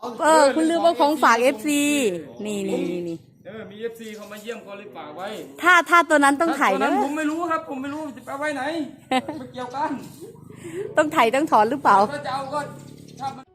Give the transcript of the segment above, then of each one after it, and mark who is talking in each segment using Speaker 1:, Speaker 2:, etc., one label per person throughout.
Speaker 1: คุณลืมว่าของฝาก FC นี่
Speaker 2: มี FC เขามาเยี่ยมเขาเลยฝากไว้
Speaker 1: ถ้าตัวนั้นต้องถ่าย
Speaker 2: ตัว
Speaker 1: นะ
Speaker 2: นั้นผมไม่รู้ครับผมไม่รู้จะไปไว้ไหนไม่เกี่ยวกัน
Speaker 1: ต้องถ่ายต้องถอนหรือเปล่า
Speaker 2: ถ้าจะเอาก็ถ้ามัน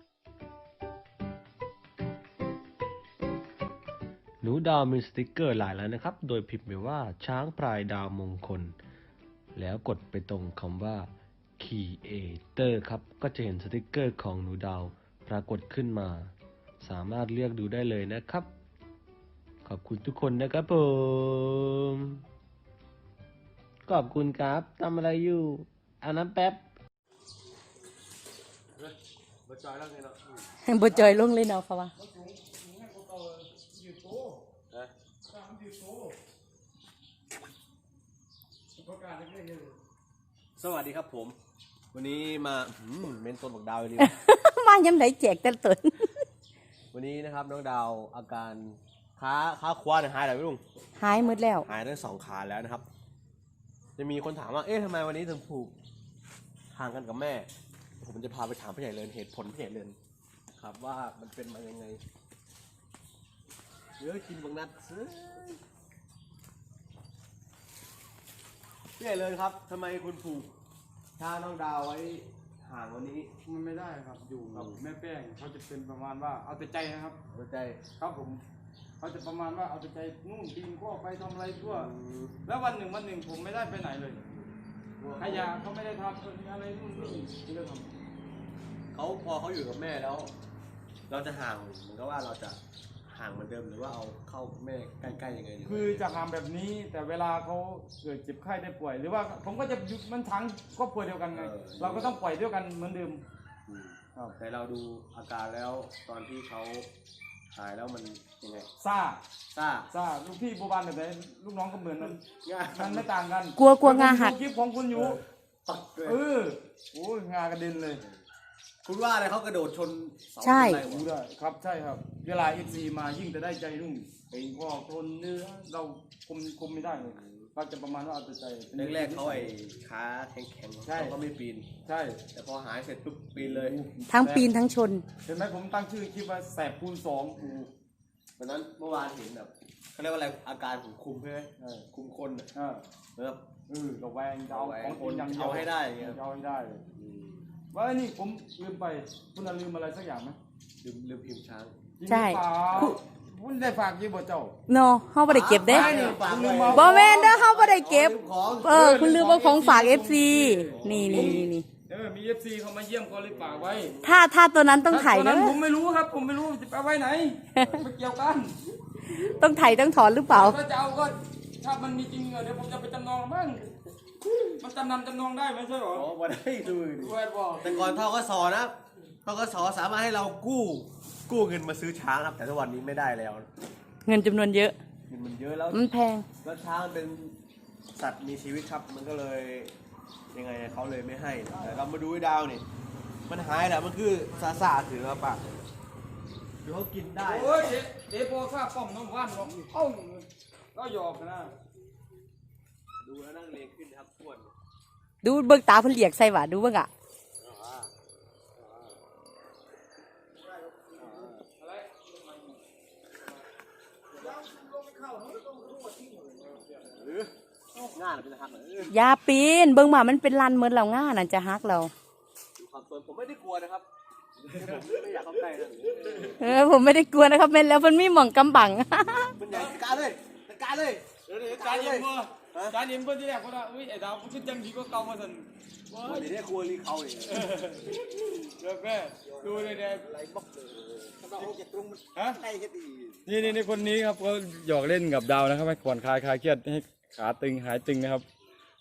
Speaker 3: หนูดาวมีสติกเกอร์หลายแล้วนะครับ โดยพิมพ์ไปว่าช้างพลายดาวมงคล แล้วกดไปตรงคำว่า Creator ครับ ก็จะเห็นสติกเกอร์ของหนูดาวปรากฏขึ้นมา สามารถเลือกดูได้เลยนะครับ ขอบคุณทุกคนนะครับผม ขอบคุณครับทำอะไรอยู่เอาน้ำแป๊บ
Speaker 1: บ่จอยลงเลยเนาะเขาว่า
Speaker 3: สวัสดีครับผม วันนี้มาเมนต้นบอกดาวเลย
Speaker 1: มาย้ำไหนแจกแต่ตน
Speaker 3: วันนี้นะครับน้องดาวอาการขาขวาเนี่ยหายแล้วพี่ลุง
Speaker 1: หายหมดแล้ว
Speaker 3: หายทั้ง2 ขาแล้วนะครับ จะมีคนถามว่าเอ๊ะทำไมวันนี้ถึงผูกห่างกันกับแม่ ผมจะพาไปถามพี่ใหญ่เลินเหตุผลพี่ใหญ่เลินครับว่ามันเป็นมายังไงเดี๋ยวกินบางนัดพี่ใหญ่เลินครับทำไมคุณผูกถ้าน้องดาวไว้ห่างวันนี้
Speaker 2: มันไม่ได้ครับอยู่กับแม่แป้งเขาจะเป็นประมาณว่าเอาแต่ใจนะครับ
Speaker 3: หัวใจ
Speaker 2: ครับผมเขาจะประมาณว่าเอาแต่ใจนู่นปีนข้อไปทำอะไรทั่วแล้ววันหนึ่งผมไม่ได้ไปไหนเลยขยะเขาไม่ได้ทำอะไรนู่นนี่ไม่ได้ทำ
Speaker 3: พอเขาอยู่กับแม่แล้ว เราจะห่างเหมือนกับว่าเราจะห่างเหมือนเดิมหรือว่าเอาเข้าแม่ใกล้ๆยังไง
Speaker 2: คือจะทำแบบนี้แต่เวลาเขาเกิดเจ็บไข้ได้ป่วย หรือว่าผมก็จะอยู่มันทั้งครอบครัวเดียวกันไงเราก็ต้องปล่อยด้วยกันเหมือนเดิม
Speaker 3: แต่เราดูอาการแล้วตอนที่เขาหายแล้วมันยังไง
Speaker 2: ซ่า
Speaker 3: ซ่า
Speaker 2: ลูกพี่โบบานแบบไหนลูกน้องก็เหมือนนั้นมันไม่ต่างกัน
Speaker 1: กลัวงาหัก
Speaker 2: คลิปของคุณอยู่
Speaker 3: ปักเลย
Speaker 2: โอ้ยงากระเด็นเลย
Speaker 3: คุณว่าอะไรเขากระโดดชนเสา
Speaker 1: ใช่
Speaker 3: อะไร
Speaker 2: รู้
Speaker 3: วะ
Speaker 2: ได้ครับใช่ครับเวลา FC มายิ่งจะได้ใจนุ่มเป็นพ่อคนเนื้อเราคุมไม่ได้เลยเราจะประมาณว่าเอาแต่ใจ
Speaker 3: แรกๆเขาขาแข็งๆ
Speaker 2: ใช่
Speaker 3: เขาก็ไม่ปีน
Speaker 2: ใช่
Speaker 3: แต่พอหายเสร็จปุ๊บปีนเลย
Speaker 1: ทั้งปีนทั้งชน
Speaker 2: เห็นไหมผมตั้งชื่อคลิปว่าแสบคูณ2อู
Speaker 3: วันนั้นเมื่อวานเห็นแบบเขาเรียกว่าอะไรอาการของคุมใช่ไหมคุมคนอะ
Speaker 2: อ่า
Speaker 3: แบบ
Speaker 2: ระแวงจะเอาของคนอย่างเดียว
Speaker 3: เอาให้ได้อย่างเงี้ย
Speaker 2: เอาให้ได้ว่าไอ้นี่ผมลืมไปคุณลืมอะไรสักอย่างไหม
Speaker 3: ลืมพิมพ์ช้าง
Speaker 1: ใช่
Speaker 2: คุณได้ฝากยี่บ่เจ้า
Speaker 1: เนาะเฮาบ่ได้เก็บเด้
Speaker 2: ใช่นี่คุณลืมเอา
Speaker 1: บ่แม่นเด้อเฮาบ่ได้เก็บ
Speaker 3: ของ
Speaker 1: คุณลืมว่าของฝาก FC นี่
Speaker 2: มี FC เขามาเยี่ยมเขาเลยฝากไว้
Speaker 1: ถ้าตัวนั้นต้องถ่าย
Speaker 2: ตัว
Speaker 1: นะ
Speaker 2: นั้นผมไม่รู้ครับผมไม่รู้จะไปไว้ไหนไม่เกี่ยวกัน
Speaker 1: ต้องถ่ายต้องถอนหรือเปล่า
Speaker 2: ถ้าจะเอาก็ถ้ามันมีจริงเดี๋ยวผมจะไปจำนองบ้างมันจำนองได้ไหมใช่หรอ
Speaker 3: อ๋อวันได้ดูดิ
Speaker 2: แวดบอก
Speaker 3: แต่ก่อนทกสนะทกสสามารถให้เรากู้เงินมาซื้อช้างครับ แต่ทุกวันนี้ไม่ได้แล้ว
Speaker 1: เงินจำนวนเยอะ
Speaker 3: เงินมันเยอะแล้ว
Speaker 1: มันแพง
Speaker 3: แล้วช้างมันเป็นสัตว์มีชีวิตครับ มันก็เลยยังไงเขาเลยไม่ให้แต่เรามาดูไอ้ดาวนี่มันหายแล้วมันคือซาถือมาปากคือเขากินได้
Speaker 2: โอ้ยเดี๋ยวพอข้าป้อมน้ำว่านบอกเอ้าก็หยอกนะ
Speaker 3: ดูแล้วนั่งเลงขึ้นครับทวน
Speaker 1: ดูเบิ่งตาเพิ่นเรียกใส่หว่าดูเบิ่งอ่ะ
Speaker 3: หรืองานเป็นหักเหรอ
Speaker 1: อย่าปีนเบิ่งมามันเป็นลันเหมือนเราง่านั่นจะฮักเรา
Speaker 3: ดูความสนผมไม่ได้กลัวนะครับผมไม่อยากเข้าใกล้นะ
Speaker 1: ผมไม่ได้กลัวนะครับแม่นแล้วเพิ่นมีหม่องกำบัง
Speaker 3: มันใหญ่การเลยการเลย
Speaker 2: เดี๋ยวจานเย็นบ่จานเย็นบ่ที่แรกเขาว่าอุ้ยไอ้ดาวมันขึ้นจังดีก็เก่ามาสั่นว้า
Speaker 3: เดี๋ยวได้ครัวรีเขาเลย
Speaker 2: เดี๋ยวแม่ดูเลยเดี๋ยว
Speaker 3: ไรบอกเลยถ้าเราเอาเก็บตรงมัน
Speaker 2: ฮะ
Speaker 3: ใกล้แค่ดี
Speaker 2: นี่คนนี้ครับเขาหยอกเล่นกับดาวนะครับให้ผ่อนคลายเครียดให้ขาตึงหายตึงนะครับ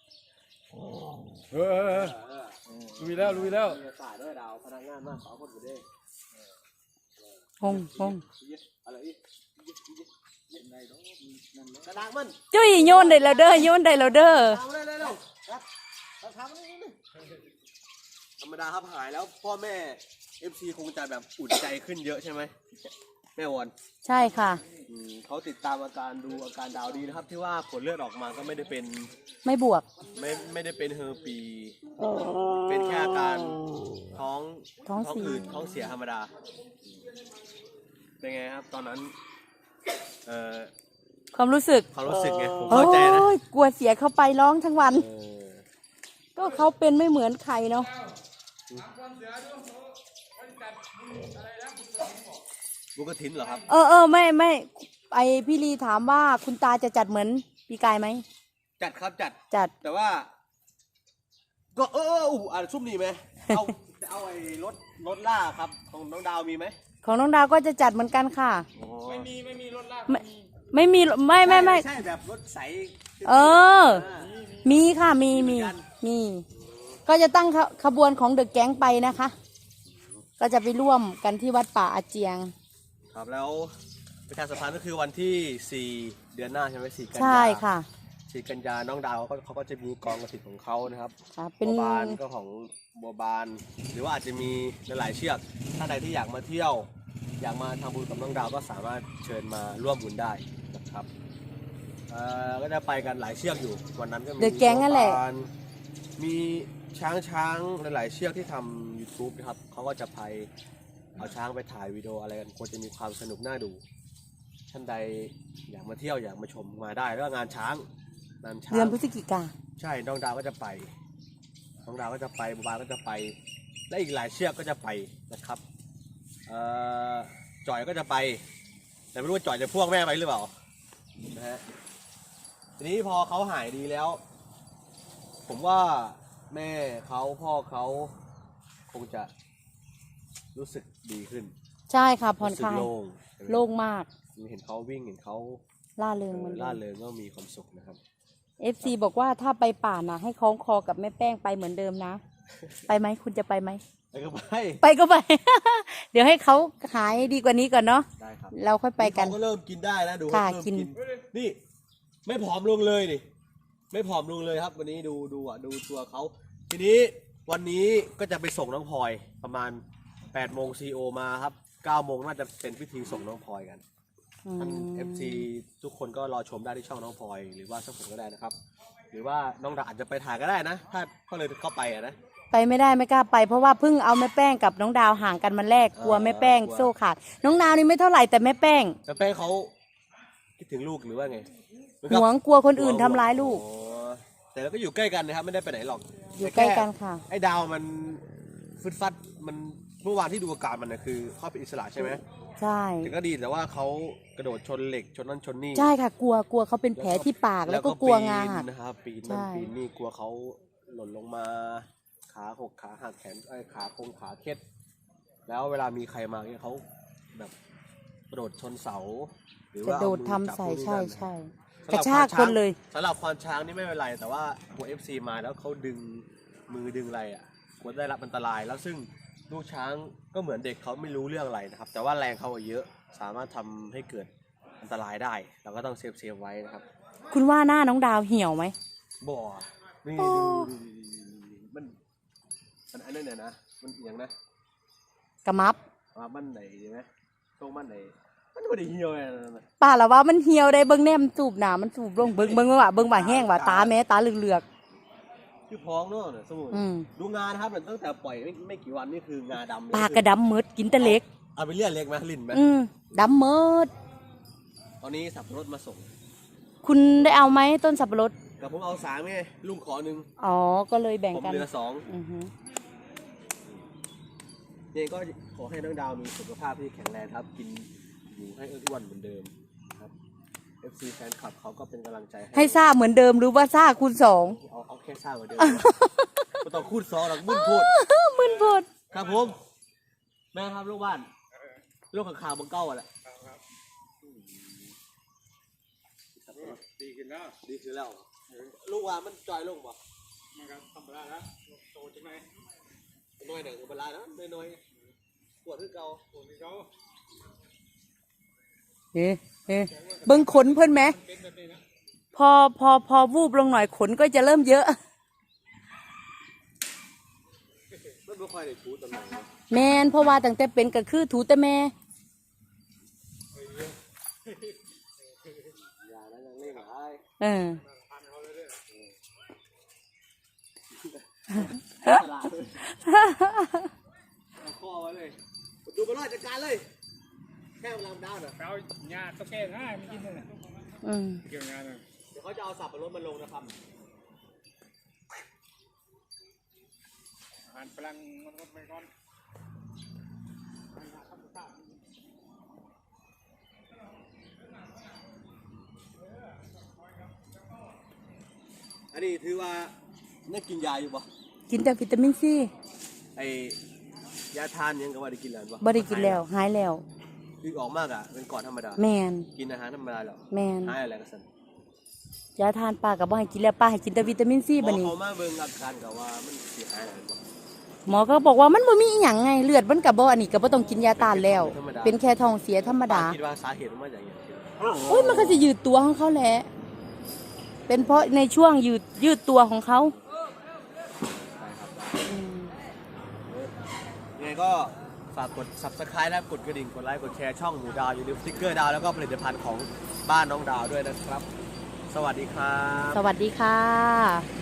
Speaker 2: ลุยแล้ว
Speaker 3: สายด้วยดาวพนักงานมากสาวคนอยู่ด้
Speaker 1: งง
Speaker 3: อะไรอีกกระดังมัน
Speaker 1: จุ้ยโยนได้แล้วเด้อโยนได้แล้วเด้อ
Speaker 3: ทำเลยครับทำเลยธรรมดาครับหายแล้วพ่อแม่ FC คงจะแบบอุ่นใจขึ้นเยอะใช่ไหมแม่วอน
Speaker 1: ใช่ค่ะ
Speaker 3: เขาติดตามอาการดูอาการดาวดีนะครับ ที่ว่าผลเลือดออกมาก็ไม่ได้เป็น
Speaker 1: ไม่บวก
Speaker 3: ไม่ได้เป็นเฮอร์ปี เป็นแค่อาการท้อง
Speaker 1: ท้องเสีย
Speaker 3: อืดท้องเสียธรรมดา เป็นไงครับ ตอนนั้น
Speaker 1: ความรู้สึก
Speaker 3: ความรู้สึกไงผม
Speaker 1: โอ้
Speaker 3: เข้าใจนะ
Speaker 1: ยกลัวเสียเข้าไปร้องทั้งวัน ก็เขาเป็นไม่เหมือนใครเนาะ
Speaker 3: บุญกฐินเหรอครับ
Speaker 1: ไม่ไอพี่ลีถามว่าคุณตาจะจัดเหมือนปีกายไหม
Speaker 3: จัดครับจัด
Speaker 1: จัด
Speaker 3: แต่ว่า ก็ซุ่มนี่ไหมจะเอาไอ้รถล่าครับ ของน้องดาวมีไหม
Speaker 1: ของน้องดาวก็จะจัดเหมือนกันค่ะ
Speaker 2: ไม่มีรถลาก
Speaker 1: ไม่มีไม่
Speaker 3: ใช่แบบรถใส
Speaker 1: มีค่ะมี ก็จะตั้งขบวนของเดอะแก๊งไปนะคะ ก็จะไปร่วมกันที่วัดป่าอาเจียง
Speaker 3: ครับแล้วประชาสัมพันธ์ก็คือวันที่ 4 เดือนหน้าใช่ไหม4 กันยา
Speaker 1: ใช่ค่ะ
Speaker 3: 4 กันยาน้องดาวเขาก็จะมีกองกระถิ่นของเขานะครับ
Speaker 1: เป็น
Speaker 3: บัวบานก็ของบัวบาน หรือว่าอาจจะมีหลายๆเชือกถ้าใดที่อยากมาเที่ยว อยากมาทำบุญกับน้องดาวก็สามารถเชิญมาร่วมบุญได้นะครับก็จะไปกันหลายเชือกอยู่วันนั้นก็มี
Speaker 1: The Gang นั่นแหละ
Speaker 3: บัวบานมีช้างหลายๆเชือกที่ทำ YouTube นะครับเขาก็จะไปเอาช้างไปถ่ายวิดีโออะไรกันควรจะมีความสนุกน่าดูท่านใดอยากมาเที่ยวอยากมาชมมาได้แล้วก็งานช้าง
Speaker 1: เดือนพฤศจิกา
Speaker 3: ใช่น้องดาวก็จะไปน้องดาวก็จะไปบัวบานก็จะไปและอีกหลายเชือกก็จะไปนะครับจ่อยก็จะไปแต่ไม่รู้ว่าจ่อยจะพ่วงแม่ไปหรือเปล่านะฮะทีนี้พอเขาหายดีแล้ว ผมว่าแม่เขาพ่อเขาคงจะรู้สึกดีขึ้น
Speaker 1: ใช่ค่ะผ่อนคลาย
Speaker 3: รู้สึกโล่ง
Speaker 1: โล่งมาก
Speaker 3: เห็นเขาวิ่งเห็นเขา
Speaker 1: ล่าเริงเหมือนเดิ
Speaker 3: ล่าม เริงก็มีความสุขนะครับ
Speaker 1: FC บอกว่าถ้าไปป่านะให้คล้องคอกับแม่แป้งไปเหมือนเดิมนะ ไปไหมคุณจะไปไหม
Speaker 3: ไปก็ไป
Speaker 1: ไปก็ไป เดี๋ยวให้เขาหายดีกว่านี้ก่อนเนาะ
Speaker 3: ได้ครับ
Speaker 1: เราค่อยไปกัน
Speaker 3: เขาก็เริ่มกินได้แล้วดู
Speaker 1: ค่ะ
Speaker 3: เริ่ม
Speaker 1: กิน
Speaker 3: นี่ไม่ผอมลงเลยนี่ไม่ผอมลงเลยครับ วันนี้ดูตัวเขาทีนี้วันนี้ก็จะไปส่งน้องพลอยประมาณ8 โมง CO มาครับ9 โมงน่าจะเป็นพิธีส่งน้องพลอยกันท่าน FC ทุกคนก็รอชมได้ที่ช่องน้องพลอยหรือว่าช่องผมก็ได้นะครับ หรือว่าน้องดาอาจจะไปถ่ายก็ได้นะ ถ้าก็เลยเข้าไปนะ
Speaker 1: ไปไม่ได้ไม่กล้าไปเพราะว่าเพิ่งเอาแม่แป้งกับน้องดาวห่างกันมันแรกกลัวแม่แป้ง
Speaker 3: กลัว
Speaker 1: โซ่ขาดน้องดาวนี่ไม่เท่าไหร่แต่แม่แป้ง
Speaker 3: แต่แป้งเขาคิดถึงลูกหรือว่าไง
Speaker 1: หวงกลัวคนอื่นทำร้ายลูก
Speaker 3: อ๋อแต่เราก็อยู่ใกล้กันนะครับไม่ได้ไปไหนหรอก
Speaker 1: อยู่ใกล้กันค่ะ
Speaker 3: ไอ้ดาวมันฟึดฟัดมันเมื่อวานที่ดูอาการมันนะคือเขาเป็นอิสระใช่ไหม
Speaker 1: ใช่
Speaker 3: แต่ก็ดีแต่ว่าเขากระโดดชนเหล็กชนนั่นชนนี่
Speaker 1: ใช่ค่ะกลัวเขาเป็นแผลที่ปากแล้วก็กลัวงาหัก
Speaker 3: ปีนนะครับปีนนั่น
Speaker 1: ใช่
Speaker 3: ปีนนี่กลัวเขาหล่นลงมาขาหกขาหักแขนขาโคงขาเคล็ดแล้วเวลามีใครมาเนี่ยเขาแบบกระโดดชนเสาหรือก
Speaker 1: ระ
Speaker 3: ว่า
Speaker 1: โด
Speaker 3: เอา
Speaker 1: ด
Speaker 3: มือ
Speaker 1: ทำ
Speaker 3: จับ
Speaker 1: ใส่
Speaker 3: นู่นนี่
Speaker 1: ใช่
Speaker 3: นั่น
Speaker 1: ใช่
Speaker 3: สำ
Speaker 1: ก
Speaker 3: ห
Speaker 1: ระ
Speaker 3: บ
Speaker 1: ชากคนเลย
Speaker 3: สำหรับควานช้างนี่ไม่เป็นไรแต่ว่าหัว FC มาแล้วเขาดึงมือดึงอะไรอ่ะควรได้รับอันตรายแล้วซึ่งลูกช้างก็เหมือนเด็กเขาไม่รู้เรื่องอะไรนะครับแต่ว่าแรงเขาเยอะสามารถทำให้เกิดอันตรายได้เราก็ต้องเซฟไว้นะครับ
Speaker 1: คุณว่าหน้าน้องดาวเหี่ยวไหม
Speaker 3: บ่อนี่
Speaker 1: โอ้
Speaker 3: ดูมันอันนั้นเนี่ยนะมันเอียงนะ
Speaker 1: กระมับ
Speaker 3: มันไหนใช่ไหมตรงมันไหนมันไม่ได้เหี่ยวเลยนะ
Speaker 1: ป้าละว่ามันเหี่ยวได้เบิ้งแนมนสูบหนามันสูบลงเบิ้งว่าแห้งว่าตาแม้ตาเหลือก
Speaker 3: คือพ้องเนาะเนี่ยสมุน
Speaker 1: อืม
Speaker 3: ดูงานนะครับตั้งแต่ปล่อยไม่กี่วันนี่คืองาดำเลย
Speaker 1: ๆปากกระดำมืดกินแต่เล็ก
Speaker 3: เอาไปเรียกเล็กไหมลิ้นไหม
Speaker 1: ดำมืด
Speaker 3: ตอนนี้สับปะรดมาส่ง
Speaker 1: คุณได้เอาไหมต้นสับปะรด
Speaker 3: กับผมเอา3ไงลุงขอ1
Speaker 1: อ๋อก็เลยแบ่ง
Speaker 3: ผม
Speaker 1: กัน
Speaker 3: เหลือ
Speaker 1: อือฮึ
Speaker 3: 2เนี่ยก็ขอให้น้องดาวมีสุขภาพที่แข็งแรงครับ กินอยู่ให้อ้วนเหมือนเดิมนะครับ FC แฟนคลับเขาก็เป็นกำลังใจ
Speaker 1: ให้ซ่าเหมือนเดิมหรือว่าซ่าคูณ2
Speaker 3: เอาแค่ซ่าเหมือนเดิมไม่ต้องคูด2หรอกมึนพูด
Speaker 1: มึนพด
Speaker 3: ครับผมแม่ครับลูกบ้านลูกข่าวบังเก้าอ่ะแหละ
Speaker 2: ดีขึ้นแล้ว
Speaker 3: ดีคือแล้วลูกว่ามันจอยลงบ่
Speaker 2: มันก็ธรรมดาแล้วโตจังไหน
Speaker 3: น้อยหนึ่งก็เป็นไรนะน้อยปวดที่เก่า
Speaker 2: โตนี่เขา
Speaker 1: เอ๊ะเบิ่งขนเพิ่นไหม
Speaker 2: เป็นแบบนี้นะ
Speaker 1: พอวูบลงหน่อยขนก็จะเริ่มเยอะ
Speaker 3: ไม่ค่อยได้ชูตำแหน่ง
Speaker 1: แมนเพราะว่าตั้งแต่เป็นก็คือถูแต่แม่
Speaker 4: อย่าแล้วยังเล่นหลาย
Speaker 1: เออ
Speaker 4: ตลาดเลยเอาข้อไว้เลยดูบอลลอยจัดการเลยแค่เวลาดาวน์น่ะ
Speaker 2: เอาหญ้าตะแกรงง่ายไม่กินเลย
Speaker 1: อืม
Speaker 2: เกี่ยวงานเลย
Speaker 4: เดี๋ยวเขาจะเอาสับปะรดมาลงนะครับ
Speaker 2: อาหารพลังมันก็ไปก่อน
Speaker 4: อันนี้ถือว่าได้กินยาอยู่ปะ
Speaker 1: กินแต่วิตามินซี
Speaker 4: ไอยาทานยังก็ว่าได้กินแล้วปะ
Speaker 1: บ่ได้กินแล้วหายแล้ว
Speaker 4: คือออกมากอ่ะเป็นก่อนธรรมดา
Speaker 1: แมน
Speaker 4: กินอาหารธรรมดาแล้ว
Speaker 1: แมน
Speaker 4: หายอะไรกันสัน
Speaker 1: ยาทานปลากับบ่ให้กินแล้วปลาให้กินแต่วิตามินซี
Speaker 4: หม
Speaker 1: บั
Speaker 4: อ
Speaker 1: ดนี้
Speaker 4: เขามาเบิ่งอาการกับว่ามันเสียหายอะไรปะ
Speaker 1: หมอก็บอกว่ามันบ่มีอีหยังไงเลือดมันก็บ่อันนี้ก็บ่ต้องกินยาต้านแล้ว เป็นแค่ท้องเสียธรรมดา
Speaker 4: คิดว่าสาเหตุมันมาจากอย่างไร
Speaker 1: โอ้ยมันก็จะยืดตัวของเขาแหละเป็นเพราะในช่วงยืดตัวของเขา
Speaker 4: ยังไงก็ฝากกด subscribe และกดกระดิ่งกดไลค์กดแชร์ช่องหมูดาวอย่าลืมสติ๊กเกอร์ดาวแล้วก็ผลิตภัณฑ์ของบ้านน้องดาวด้วยนะครับ สวัสดีครับ
Speaker 1: สวัสดีค่ะ